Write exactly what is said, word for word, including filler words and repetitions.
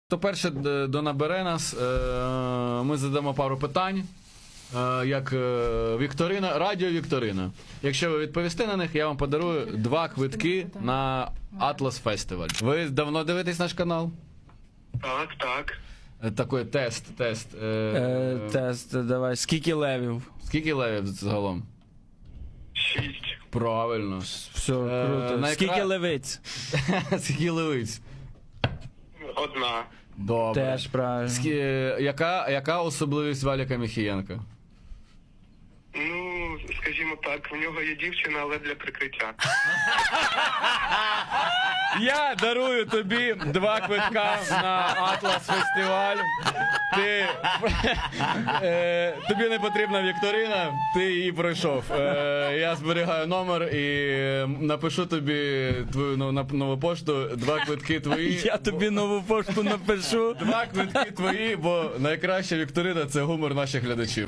Хто перше д- донабере нас, е, ми задамо пару питань, е, як е, вікторина, радіо Вікторина. Якщо ви відповісте на них, я вам подарую два квитки на Атлас Фестиваль. Ви давно дивитесь наш канал? Так, так. Е, Такий тест, тест. Е, Е, тест, давай. Скільки левів? Скільки левів загалом? Шість. Правильно. Все, Е, круто. на Скільки екра- левиць? Скільки левиць? Одна. Добре. Теж правильно. Скі- е, яка, яка особливість Валіка Міхієнка? Ну, скажімо так, в нього є дівчина, але для прикриття. Я дарую тобі два квитка на Атлас Фестиваль. Ти, е, тобі не потрібна вікторина, ти її пройшов. Е, я зберігаю номер і напишу тобі твою ну, на нову пошту два квитки твої. Я тобі нову пошту напишу. Два квитки твої, бо найкраща вікторина – це гумор наших глядачів.